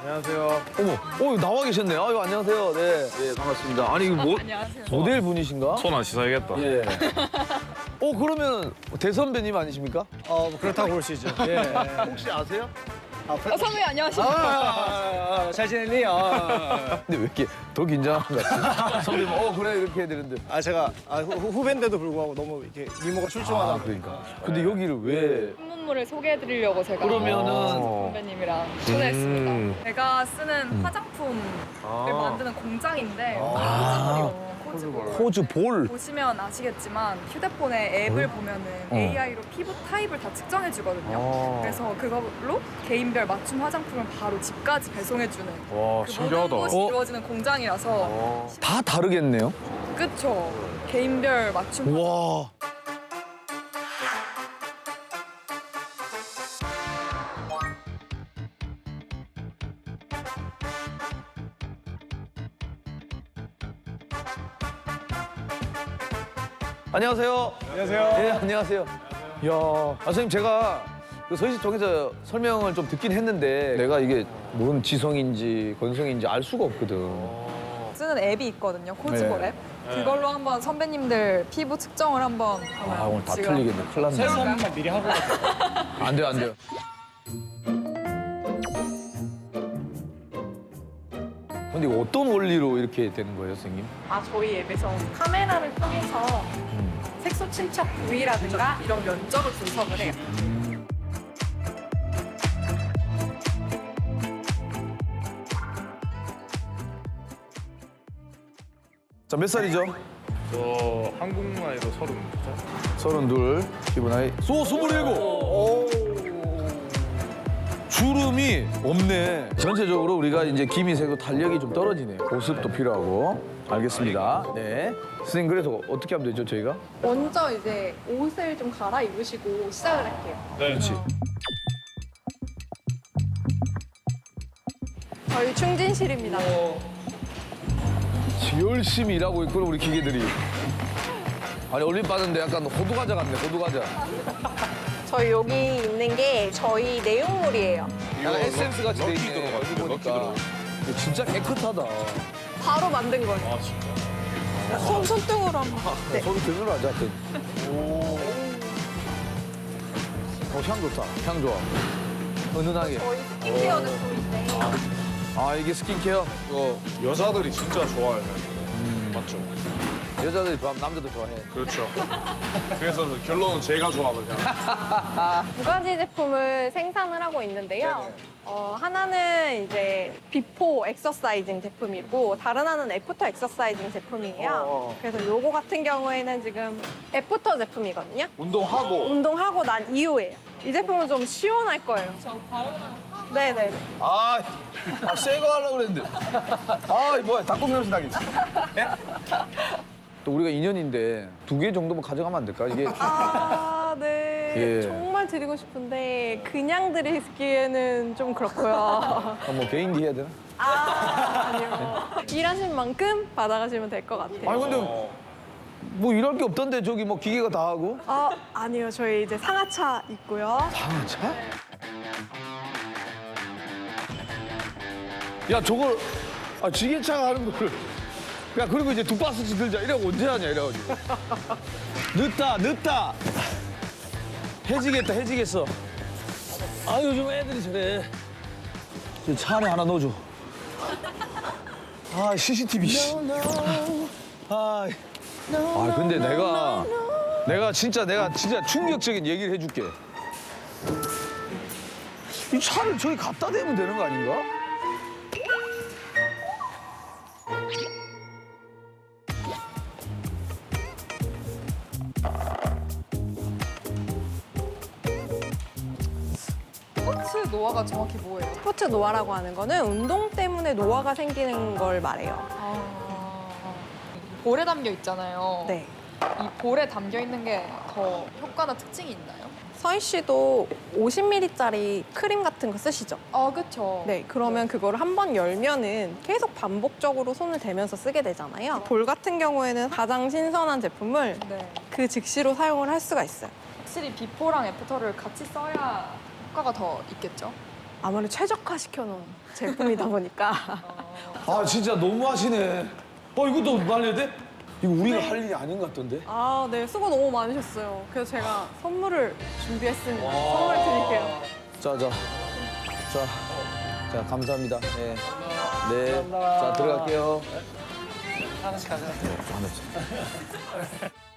안녕하세요. 어머, 나와 계셨네요. 아유, 안녕하세요. 네, 반갑습니다. 아니, 이거 안녕하세요. 모델 분이신가? 손 안 씻어야겠다. 예. 그러면 대선배님 아니십니까? 뭐 그렇다고 볼 수 있죠. 예. 혹시 아세요? 선배님 안녕하십니까? 잘 지냈니? 근데 왜 이렇게 더 긴장한 것 같지? 선배님, 그래, 이렇게 해야 되는데. 제가 후배인데도 불구하고 너무 이렇게 미모가 출중하다. 그러니까. 근데 여기를 왜? 신문물을 소개해드리려고 제가 그러면은. 선배님이랑 초대했습니다. 제가 쓰는 화장품을 만드는 공장인데 호주볼. 보시면 아시겠지만 휴대폰에 앱을 보면은 AI로 피부 타입을 다 측정해 주거든요. 그래서 그걸로 개인별 맞춤 화장품을 바로 집까지 배송해주는 와, 그 신기하다. 모든 것이 이루어지는 공장이라서 다 다르겠네요. 그쵸? 개인별 맞춤 와. 안녕하세요. 안녕하세요. 네, 안녕하세요. 이야, 선생님 제가 그 서희씨 통해서 설명을 좀 듣긴 했는데 내가 이게 뭔 지성인지 건성인지 알 수가 없거든. 쓰는 앱이 있거든요. 코즈볼 네. 앱. 그걸로 한번 선배님들 피부 측정을 한번 오늘 다 지금 틀리겠네. 큰일 났네. 세수만 미리 하고. 안 돼요, 안 돼요. 근데 이거 어떤 원리로 이렇게 되는 거예요, 선생님? 저희 앱에서 카메라를 통해서 색소 침착 부위라든가 이런 면적을 분석을 해요. 자, 몇 살이죠? 저 한국 나이로 32살. 32, 기본 나이. 27! 주름이 없네. 전체적으로 우리가 이제 기미색도 탄력이 좀 떨어지네요. 보습도 필요하고. 알겠습니다. 네. 선생님, 그래서 어떻게 하면 되죠, 저희가? 먼저 이제 옷을 좀 갈아입으시고 시작을 할게요. 네. 그렇지. 저희 충진실입니다. 열심히 일하고 있구나, 우리 기계들이. 아니, 올림 빠는데 약간 호두과자 같네, 호두과자. 저희 여기 있는 게 저희 내용물이에요. 약간 에센스 같이 돼 럭키 있네. 들어가 여기 있네, 럭키 보니까. 들어가. 이거 진짜 깨끗하다. 바로 만든 거예요. 아, 진짜? 손등으로 한번. 네. 소리 들으러 하자. 향 좋다. 향 좋아. 은은하게. 저희 스킨케어 제품인데 이게 스킨케어? 이거 여자들이 진짜 좋아해요. 맞죠? 여자들이 좋아하면 남자도 좋아해. 그렇죠. 그래서 결론은 제가 좋아하거든요. 두 가지 제품을 생산을 하고 있는데요. 하나는 이제 비포 엑서사이징 제품이고 다른 하나는 애프터 엑서사이징 제품이에요. 그래서 요거 같은 경우에는 지금 애프터 제품이거든요. 운동하고. 운동하고 난 이후에요. 이 제품은 좀 시원할 거예요. 네네. 새거 하려고 그랬는데. 뭐야, 닭고기 냄새 나겠지. 또 우리가 인연인데 2개 정도만 가져가면 안 될까? 이게 네. 예. 정말 드리고 싶은데 그냥 드리기에는 좀 그렇고요. 뭐 개인기 해야 되나? 아니요. 일하신 만큼 받아가시면 될 것 같아요. 아니 근데 뭐 일할 게 없던데 저기 뭐 기계가 다 하고? 아니요. 저희 이제 상하차 있고요. 상하차? 야 저걸 지게차가 하는 거를 야 그리고 이제 2바스씩 들자 이러고 언제 하냐 이래가지고 늦다 해지겠어 요즘 애들이 저래 차 안에 하나 넣어줘 CCTV 근데 내가 진짜 충격적인 얘기를 해줄게 이 차를 저기 갖다 대면 되는 거 아닌가? 스포츠 노화가 정확히 뭐예요? 스포츠 노화라고 하는 거는 운동 때문에 노화가 생기는 걸 말해요. 볼에 담겨 있잖아요. 네. 이 볼에 담겨 있는 게 더 효과나 특징이 있나요? 서희 씨도 50ml짜리 크림 같은 거 쓰시죠? 그쵸. 네, 그러면 그거를 한 번 열면은 계속 반복적으로 손을 대면서 쓰게 되잖아요. 볼 같은 경우에는 가장 신선한 제품을 네. 그 즉시로 사용을 할 수가 있어요. 확실히 비포랑 애프터를 같이 써야 효과가 더 있겠죠? 아무래도 최적화시켜놓은 제품이다 보니까 아 진짜 너무하시네. 이것도 말려야 돼? 이거 우리가 할 일이 아닌 것 같던데? 아, 네, 수고 너무 많으셨어요. 그래서 제가 선물을 준비했습니다. 선물 드릴게요. 자, 감사합니다. 네. 네. 자, 들어갈게요. 하나씩 가져가. 하나씩.